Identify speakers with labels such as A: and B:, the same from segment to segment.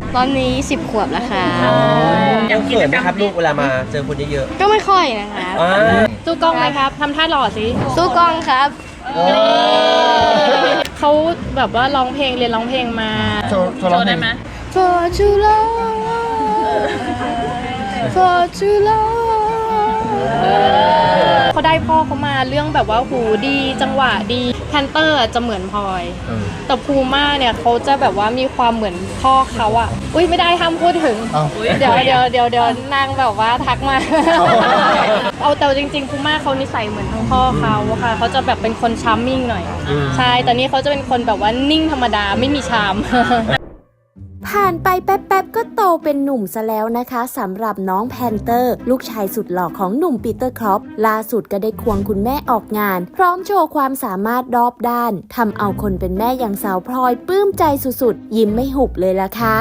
A: ตอนนี้10 ขวบแล้วค่ะ
B: ยังเขินไหมครับลูกเวลามาเจอคนเยอะ
A: ก็ไม่ค่อยนะคะ
C: ๆสู้กล้องไหมครับทำท่าหล่อสิ
A: สู้กล้องครับ
C: เขาแบบว่าร้องเพลงเรียนร้องเพลงมา
D: โชว์ได้ไหม
A: For too long For too long
C: เขาได้พ่อเขามาเรื่องแบบว่าหูดีจังหวะดีแพนเตอร์จะเหมือนพลอยแต่พูม่าเนี่ยเขาจะแบบว่ามีความเหมือนพ่อเขาอ่ะอุ้ยไม่ได้ห้ามพูดถึงเดี๋ยวนางแบบว่าทักมา เอาแต่จริงๆพูม่าเขานิสัยเหมือนทั้งพ่อเขาค่ะเขาจะแบบเป็นคนชาร์มมิ่งหน่อยใช่แต่นี่เขาจะเป็นคนแบบว่านิ่งธรรมดาไม่มีชาม
E: ผ่านไปแป๊บๆก็โตเป็นหนุ่มซะแล้วนะคะสำหรับน้องแพนเตอร์ลูกชายสุดหล่อของหนุ่มปีเตอร์ครอปล่าสุดก็ได้ควงคุณแม่ออกงาน พร้อมโชว์ความสามารถรอบด้านทำเอาคนเป็นแม่อย่างสาวพลอยปลื้มใจสุดๆยิ้มไม่หุบเลยล่ะค่ะ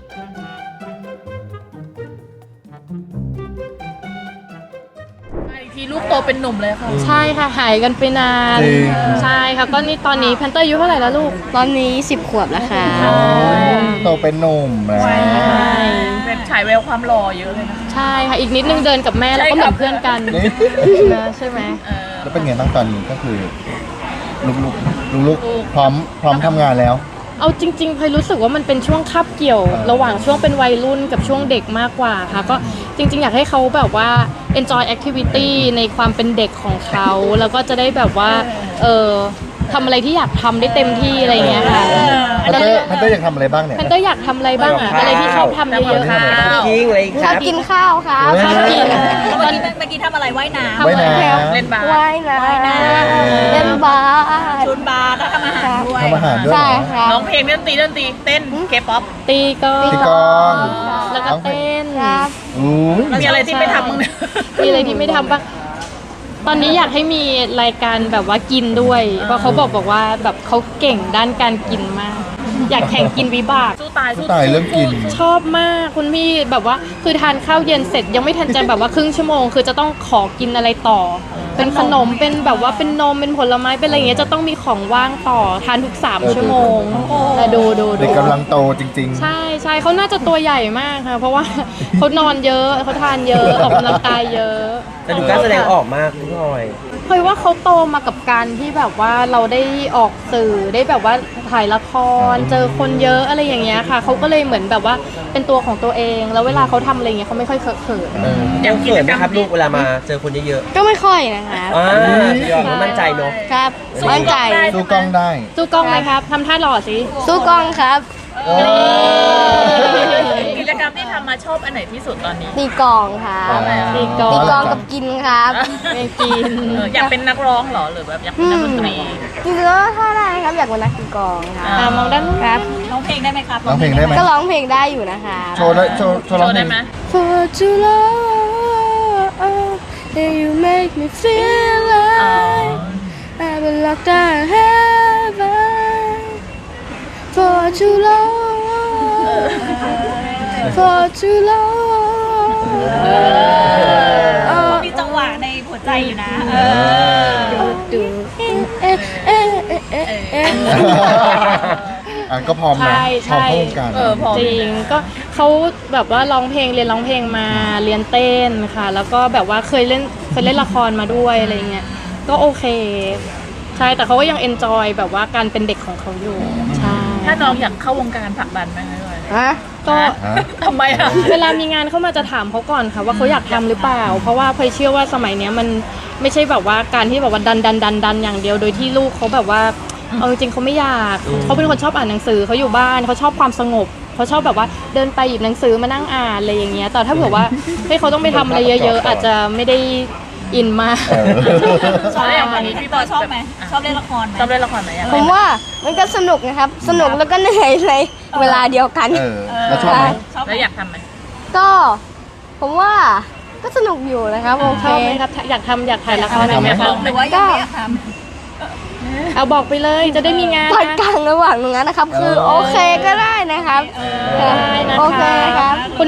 F: อีกทีลูกโตเป็นหนุ่มเลยค่ะ
C: ใช่ค่ะหายกันไปนานใช่ค่ะก็นี่ตอนนี้แพนเตอร์อายุเท่าไหร่แล้วลูก
A: ตอนนี้10 ขวบแล้วค่ะ
D: โตเป็นหนุ่มแล้ว
F: เป็นฉายแววความหล่อเยอะเลยนะ
C: ใช่ค่ะอีกนิดนึงเดินกับแม่แล้วก็เหมือนเพื่อนกัน
D: นี่
C: นะใช่ไหม
D: แล้วเป็นไงบ้างตอนนี้ก็คือลูกพร้อมทำงานแล้ว
C: เอาจริงๆพลอยรู้สึกว่ามันเป็นช่วงคาบเกี่ยว ระหว่างช่วงเป็นวัยรุ่นกับช่วงเด็กมากกว่าค่ะก็จริงๆอยากให้เขาแบบว่า enjoy activity ในความเป็นเด็กของเขาแล้วก็จะได้แบบว่าทำอะไรที่อยากทำได้เต็มที่อะไรอย่างเงี้ยค่ะ
D: แพนเตอร์อยากทำอะไรบ้างเนี่ย
C: แพนเตอร์อยากทำอะไรบ้างอะอะไรที่ชอบทำเยอะๆค่ะ
B: ยิงเลยค
A: ชอ
B: รั
A: บบ กินข้าวครับ
C: ชอบกิน
F: เมื่อกี้ทำอะไรว่ายน้ำ
D: ว่ายน้ำ
F: เล่นบาส
A: ว่ายน้ำเล่นบาส
F: ชุนบาสแล้วทำอาหารด้วย
D: ทำอาหารด้วยเหร
A: ใช่
D: อ
A: ครับ
F: ร้องเพลงเล่นดนตรีเต้นเคป๊อป
C: ตีกลอง
D: ตีกลอง
C: แล้วก็เต้น
A: ครับ
D: อุ้ย
F: มีอะไรที่ไม่ทำบ้างเนี่ย
C: มีอะไรที่ไม่ทำบ้างตอนนี้อยากให้มีรายการแบบว่ากินด้วย เพราะเขาบอกว่าแบบเขาเก่งด้านการกินมาก อยากแข่งกินวิบาก
F: สู้ตาย
D: ตายเรื่องกิน
C: ชอบมากคุณพี่แบบว่าคือทานข้าวเย็นเสร็จยังไม่ทันจะแบบว่าครึ่งชั่วโมง คือจะต้องขอกินอะไรต่อ เป็นขนมเป็นแบบว่าเป็นนมเป็นผลไม้เป็นอะไรอย่างเงี้ยจะต้องมีของว่างต่อทานทุก3 ชั่วโมงแต่ดู
D: เด็กกำลังโตจริงๆ
C: ใช่เขาน่าจะตัวใหญ่มากค่ะเพราะว่าเขานอนเยอะเขาทานเยอะออกกำลังกายเยอะ
B: แต่ดูการแสดงออกมากพี่พลอย
C: เพราะว่าเขาโตมากับการที่แบบว่าเราได้ออกสื่อได้แบบว่าถ่ายละครเจอคนเยอะอะไรอย่างเงี้ยค่ะเขาก็เลยเหมือนแบบว่าเป็นตัวของตัวเอง แล้วเวลาเขาทำอะไรเงี้ยเขาไม่ค่อยเขิน
B: ยังเขินไหมครับลูกเวลามาเจอคนเยอะ
A: ก็ไม่ค่อยนะคะ
B: ยอมมั่นใจเนาะ
A: ครับมั่นใจ
D: สู้กล้องได้
C: สู้กล้องไหมครับทำท่าหล่อสิ
A: สู้กล้องครับ
F: กิจกรรมที่ทำมาชอบอันไหนที่สุดตอนนี้
A: ตีกลองครับ
C: ตีกลอ
A: ตี
C: ง
A: กลองกับกินครับ
C: ไม่กิน
F: อยากเป็นนักร้องเหรอหรือแบบอยากเป็นนักดนตรี
A: จริงๆแล้วถ้าได้ครับอยากเป็นนักตีกลองครับ
C: มองด้านนู้น
A: ครับ
F: ร้องเพลงได้ไหมครับ
D: ร้องเพลงได้ไหม
A: ก็ร้องเพลงได้อยู่นะคะ
D: โชว์ร้องเพล
F: ได้
D: ง
F: ไหม
A: For too long that you make me feel like I've been locked out of heaven For too long For too long
F: มีจังหวะในหัวใจอยู่นะ
A: ดู
D: ก็พร้อมนะพร้อมเข้าวงการ
C: จริงก็เขาแบบว่าร้องเพลงเรียนร้องเพลงมาเรียนเต้นค่ะ แล้วก็แบบว่าเคยเล่นละครมาด้วยอะไรเงี้ยก็โอเคใช่แต่เขาก็ยังเอนจอยแบบว่าการเป็นเด็กของเขาอยู่ใช่
F: ถ้าน้องอยากเข้าวงการผลักดันไหมคะด้วย
A: ฮะ
C: ก็
F: ทำไมอ่ะ
C: เวลามีงานเข้ามาจะถามเขาก่อนค่ะว่าเขาอยากทำหรือเปล่า เพราะว่าพลอยเชื่อว่าสมัยเนี้ยมันไม่ใช่แบบว่าการที่แบบว่าดันอย่างเดียวโดยที่ลูกเขาแบบว่าเอาจริงๆเขาไม่อยากเขาเป็นคนชอบอ่านหนังสือเขาอยู่บ้านเขาชอบความสงบเขาชอบแบบว่าเดินไปหยิบหนังสือมานั่งอ่านอะไรอย่างเงี้ยแต่ถ้าเผื่อว่าให้เขาต้องไปทำอะไรเยอะๆอาจจะไม่ได้อินมาก
F: ชอบอย่างวันนี้พี่ปอชอบไหมชอบเล่นละครไหมชอบเล่นละครไหม
A: ผมว่ามันก็สนุกนะครับ สนุกแล้วก็เหนื่อยในเวลาเดียวกัน
D: แล้วชอบไหม
F: แล้วอยากทำไหม
A: ก็ผมว่าก็สนุกอยู่นะครับโอเค
C: ชอบไหมครับอยากถ่ายละครไหมคะ
F: หรือว่ายังไม่อยากท
C: เอาบอกไปเลยจะได้มีงาน
A: ตอน
C: นะ
A: กลางระหว่างตรงนั้นนะครับ คือโอเคก็ได้นะครับ
C: ได้นะคะ
A: โอเคครับ
C: คน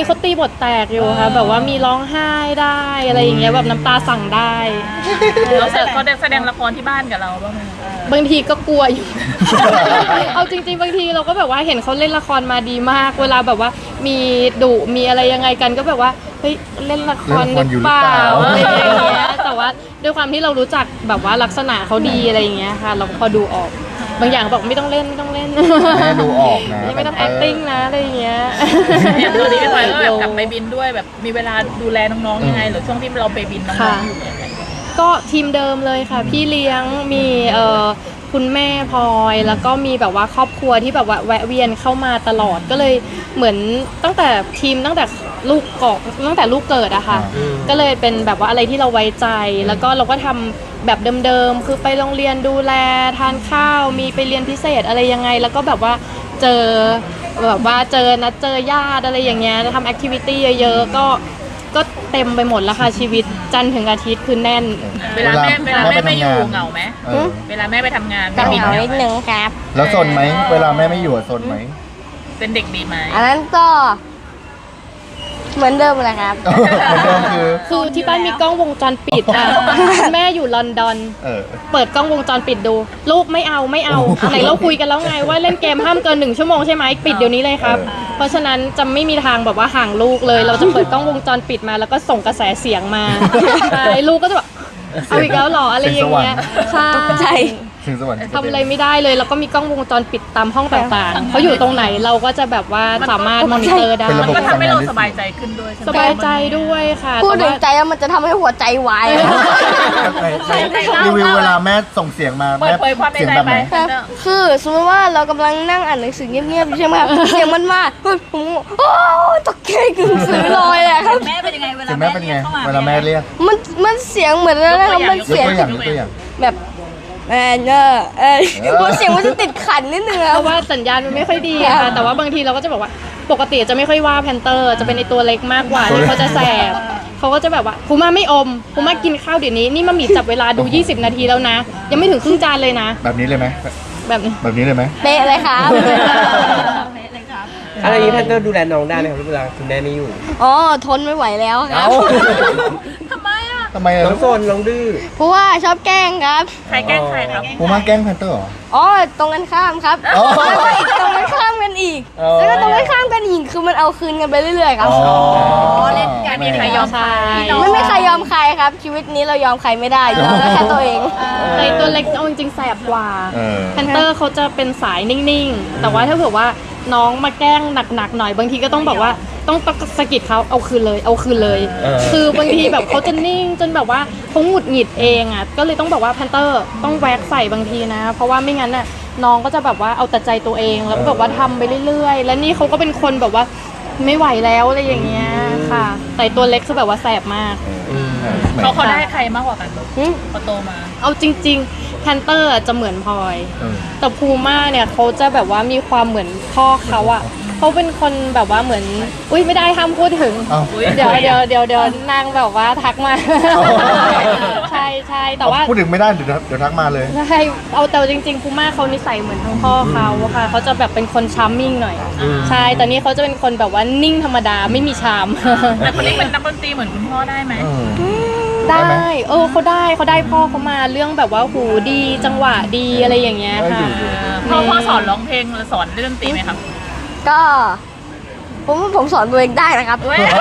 C: นี้เขาตีบทแตกอยู่ค่ะแบบว่ามีร้องไห้ได้อะไรอย่างเงี้ยแบบน้ำตาสั่งได้
F: เราเขาแสดงละครที่บ้านกับเราบ้างไหม
C: บางทีก็กลัวอยู่ เอาจริงๆบางทีเราก็แบบว่าเห็นเขาเล่นละครมาดีมาก เวลาแบบว่ามีดุมีอะไรยังไงกันก็แบบว่าเฮ้ยเล่นละครหรือเปล่าอะไรอย่างเงี้ยแต่ว่าด้วยความที่เรารู้จักแบบว่าลักษณะเขาดีอะไรอย่างเงี้ยค่ะเราก็พอดูออกบางอย่างบอกไม่ต้องเล่นไม่ต้องเล่น
D: แม่ดูออกนะ
C: ไม่ต้อง acting นะอะไรอย่างเงี้ย
F: อย่างตอนนี้พี่พลอยก็แบบกลับไปบินด้วยแบบมีเวลาดูแลน้องๆยังไงหรือช่วงที่เราไปบินน้องๆอยู่ยังไง
C: ก็ทีมเดิมเลยค่ะ พี่เลี้ยงมีคุณแม่พลอยแล้วก็มีแบบว่าครอบครัวที่แบบว่าแวะเวียนเข้ามาตลอดก็เลยเหมือนตั้งแต่ลูกเกาะตั้งแต่ลูกเกิดอะค่ะก็เลยเป็นแบบว่าอะไรที่เราไว้ใจแล้วก็เราก็ทำแบบเดิมๆคือไปโรงเรียนดูแลทานข้าวมีไปเรียนพิเศษอะไรยังไงแล้วก็แบบว่าเจอแบบว่าเจอญาติอะไรอย่างเงี้ยทำแอคทิวิตี้เยอะๆก็เต็มไปหมดแล้วค่ะชีวิตจันทร์ถึงอาทิตย์คือแน่น
F: เวลาแม่ไม่อยู่เหงาไหมเวลาแม่ไปทำงาน
A: ก็
F: บิ
A: เหงานิดนึงครับ
D: แล้วซนไหมเวลาแม่ไม่อยู่อะซนไหม
F: เป็นเด็กดีไหม
A: อันนั้นก็ เหมือนเดิมเลยครับ
D: เหมือนเดิมคือ
C: ที่บ้านมีกล้องวงจรปิดอ่ะ แม่อยู่ลอนดอน เปิดกล้องวงจรปิดดู ลูกไม่เอาไหนเราคุยกันแล้วไงว่าเล่นเกมห้ามเกิน1 ชั่วโมงใช่ไหมปิดเดี๋ยวนี้เลยครับ เพราะฉะนั้นจะไม่มีทางแบบว่าห่างลูกเลย เราจะเปิดกล้องวงจรปิดมาแล้วก็ส่งกระแสเสียงมาใช่ลูกก็จะแบบเอาอีกแล้วเหรออะไรอย่างเงี้ยใช่
D: ถึงสวรรค์
C: ทำอะไรไม่ได้เลยแล้วก็มีกล้องวงจรปิดตามห้องต่างๆเขาอยู่ตรงไหนเราก็จะแบบว่าสามารถมอนิเตอร์ได้
F: มันก็ทำให้เราสบายใจขึ้นด้วย
C: สบายใจด้วยค่ะ
A: พูดถึงใจแล้วมันจะทำให้หัวใจวาย
D: รีวิวเวลาแม่ส่งเสียงมา
F: เปิ
D: แม่
F: ดเผยความใน
D: เสียง
F: ใจ
D: แบบ
F: ไป
D: ไหน
A: คือสมมติว่าเรากำลังนั่งอ่านหนังสือเงียบๆอยู่ใช่ไหมครับ เสียงมันมาเฮ้ยผมโอ้ตกใจกึ่งสือลอยอะครับ
F: แม่เป็นยังไงเว
D: เสี
F: ลาย
D: งแม่เป็นไงเวลาแม่เรียก
A: มันเสียงเหมือนอะไรนะครับมัน
D: ยก
A: เสียง
D: ตัวอย่างยกตัวอย่าง
A: แบบมันเสียงมันจะติดขันนิดนึงค
C: เพ
A: รับ
C: ราะว่าสัญญาณมันไม่ค่อยดีอะค่ะแต่ว่าบางทีเราก็จะบอกว่าปกติจะไม่ค่อยว่าแพนเตอร์จะเป็นในตัวเล็กมากกว่าที่เขาจะแสบเขาก็จะแบบว่าภูมาไม่อมภูมากินข้าวเดี๋ยวนี้นี่มามีจับเวลาดู20 นาทีแล้วนะ ยังไม่ถึงครึ่งจานเลยนะ
D: แบบนี้เลยไหม
C: แบบนี้
D: แบบนี้เลยไหม
A: เป๊ะเลยครับ
B: อะไรนี้แพนเตอร์ดูแลน้องได้ไหมครับเวลาคุณแม่ไม่อยู่
A: อ๋อทนไม่ไหวแล้วครับ
F: ทำไมอ่ะ
D: ทำไมอะ
B: น้องโซนน้องดื้อ
A: เพราะว่าชอบแกล้งครับ
F: ใครแกล้งใครครับ
D: ปูมาแกล้งแพนเตอร์เหรอ
A: อ๋อตรงกันข้ามครับ
D: อ๋อ
A: แล้วก็อีกตรงกันข้ามกันอีก
D: อ๋อ
A: แล้วก็ตรงกันข้ามกันอีกคือมันเอาคืนกันไปเรื่อยๆครับ
F: เล่นกันมีใครยอม
C: ใช่
A: ไม่มีใครยอมใครครับ ชีวิตนี้เรายอมใครไม่ได้ยอมได้แค่ตัวเอง
C: ในตัวเล็กเอาจริงๆแสบกว่า
D: เออ
C: แพนเตอร์เขาจะเป็นสายนิ่งๆ แต่ว่าถ้าเผื่อว่าน้องมาแกล้งหนักๆหน่อยบางทีก็ต้องแบบว่าต้องสะกิดเขาเอาคืนเลยเอาคืนเลย คือบางทีแบบเขาจะนิ่งจนแบบว่าเขาหงุดหงิดเองอ่ะก็เลยต้องบอกว่าแพนเตอร์ต้องแวกใส่บางทีนะ เพราะว่าไม่งั้นน่ะน้องก็จะแบบว่าเอาแต่ใจตัวเองแล้วก็แบบว่าทำไปเรื่อยๆ และนี่เขาก็เป็นคนแบบว่าไม่ไหวแล้วอะไรอย่างเงี้ยค่ะ แต่ตัวเล็กคือแบบว่าแสบมาก
F: เขาได้ใครมากกว่ากันพอโตมา
C: เอาจริงๆแพนเตอร์จะเหมือนพลอย แต่พูม่าเนี่ยเขาจะแบบว่ามีความเหมือนพ่อเขาอะเขาเป็นคนแบบว่าเหมือนอุ้ยไม่ได้ห้ามพูดถึง
D: อ้าว
C: เดี๋ยวนางแบบว่าทักมา ใช่แต่ว่า
D: พูดถึงไม่ได้เดี๋ยวทักมาเลย
C: ใช่เอาแต่จริงๆพูม่าเขานิสัยเหมือนทั้งพ่อเขาอะค่ะเขาจะแบบเป็นคนชาร์มมิ่งหน่อยใช่แต่นี่เขาจะเป็นคนแบบว่านิ่งธรรมดาไม่มีชาม
F: แต่คนนี้เป็นนักดนตรีเหมือนคุณพ่อได้ไหม
C: ได้
D: ได้ไหม
C: เขาได้พ่อเขามาเรื่องแบบว่าหูดีจังหวะดีอะไรอย่างเงี้ยค่ะ
F: พ่อสอนร้องเพลงหรือสอนเล่นดนตรีไหมครับ
A: ก็ผมสอนตัวเองได้นะครับ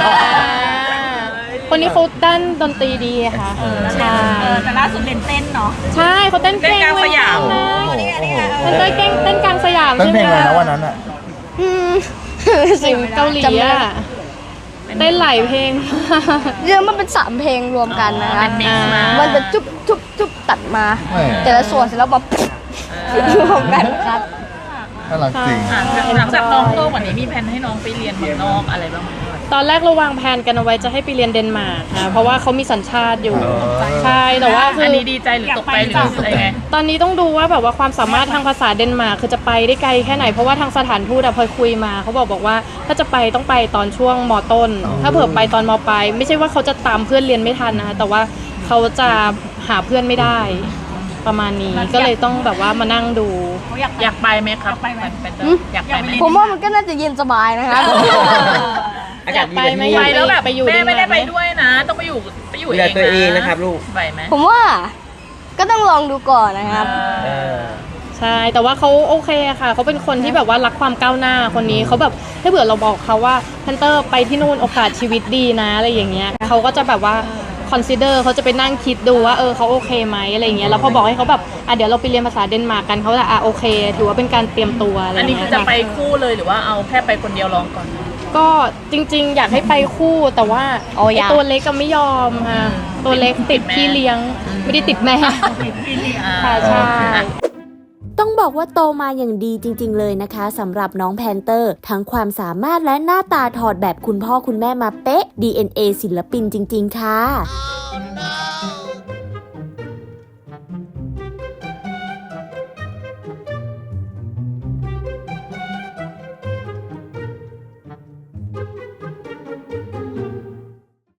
C: คนนี้เขาด้านดนตรีดีค่ะใช่
F: แต่ล่าสุดเล่นเต้นเนาะ
C: ใช่เขาเต้นเก่ง
F: เต้นกลางสยาม
C: นะ
D: โอ้โห
C: เต้นเก่งเต้นกลางสยาม
D: เต้น
C: ใช่ไห
D: เพ
C: ม
D: ลงอะไร
C: คะ
D: นะวันนั้นอ่ะ
A: อืม
C: สิ่งเกาหลี
A: จำไม่ได้
C: อะเต้นหลายเพลง
A: เรื่องมันเป็น3 เพลงรวมกันนะครับ
F: เป็นมิกซ์มา
A: มันจะจุ๊บตัดมา
D: แหม่
A: แต่ละส่วนเสร็จแล้วแบบรวมกันครับ
D: น่ารักจริง
F: หลังจากน้องโตกว่านี้มีแผนให้น้องไปเรียนเมืองนอกอะไรบ้างไหม
C: ตอนแรกเราวางแผนกันเอาไว้จะให้ไปเรียนเดนมาร์กค่ะเพราะว่าเขามีสัญชาติอยู่ใช่แต่ว่าคือ
F: อันนี้ดีใจหรือตกใจหรืออะไรไง
C: ตอนนี้ต้องดูว่าแบบว่าความสามารถทางภาษาเดนมาร์กคือจะไปได้ไกลแค่ไหนเพราะว่าทางสถานทูตอะพลอยคุยมาเขาบอกว่าถ้าจะไปต้องไปตอนช่วงมต้น ถ้าเผื่อไปตอนมปลายไม่ใช่ว่าเขาจะตามเพื่อนเรียนไม่ทันนะคะแต่ว่าเขาจะหาเพื่อนไม่ได้ประมาณนี้ก็เลยต้องแบบว่ามานั่งดู
F: อยากไปไหมครับอยากไปไหม
A: ผมว่ามันก็น่าจะเย็นสบายนะครับ
B: อากาศดีกว่าที่
C: ไป
B: นี่
C: ไหม
F: ไปแล้วแบบ
C: ไปอยู่
F: แม่ไม่ได้
C: เดนมาร์กไหม
F: ไปด้วยนะ ต้องไปอยู่
B: ดูแลตัวเองนะครับลูก
F: ไหวไหม
A: ผมว่าก็ต้องลองดูก่อนนะครับ
B: เออ
C: ใช่แต่ว่าเขาโอเคค่ะเขาเป็นคนที่แบบว่ารักความก้าวหน้าคนนี้เขาแบบถ้าเผื่อเราบอกเขาว่าแพนเตอร์ไปที่นู่นโอกาสชีวิตดีนะอะไรอย่างเงี้ยเขาก็จะแบบว่าconsider เขาจะไปนั่งคิดดูว่าเขาโอเคไหมอะไรอย่างเงี้ยแล้วพอบอกให้เขาแบบเดี๋ยวเราไปเรียนภาษาเดนมาร์กกันเขาจะโอเคถือว่าเป็นการเตรียมตัวอะไรอ
F: อัน
C: ย่าง
F: นี้
C: เงี้
F: คื
C: ย
F: อจะไปคู่เลยหรือว่าเอาแค่ไปคนเดียวลองก่อน
C: ก็จริงๆ อยากให้ไปคู่แต่ว่า
A: โอ้ยาก
C: ตัวเล็กก็ไม่ยอมค่ะตัวเล็กติดพี่เลี้ยงไม่ได้ติดแม่ค่ะใช่
E: ต้องบอกว่าโตมาอย่างดีจริงๆเลยนะคะสำหรับน้องแพนเตอร์ ทั้งความสามารถและหน้าตาถอดแบบคุณพ่อคุณแม่มาเป๊ะ DNA ศิลปินจริงๆค่ะ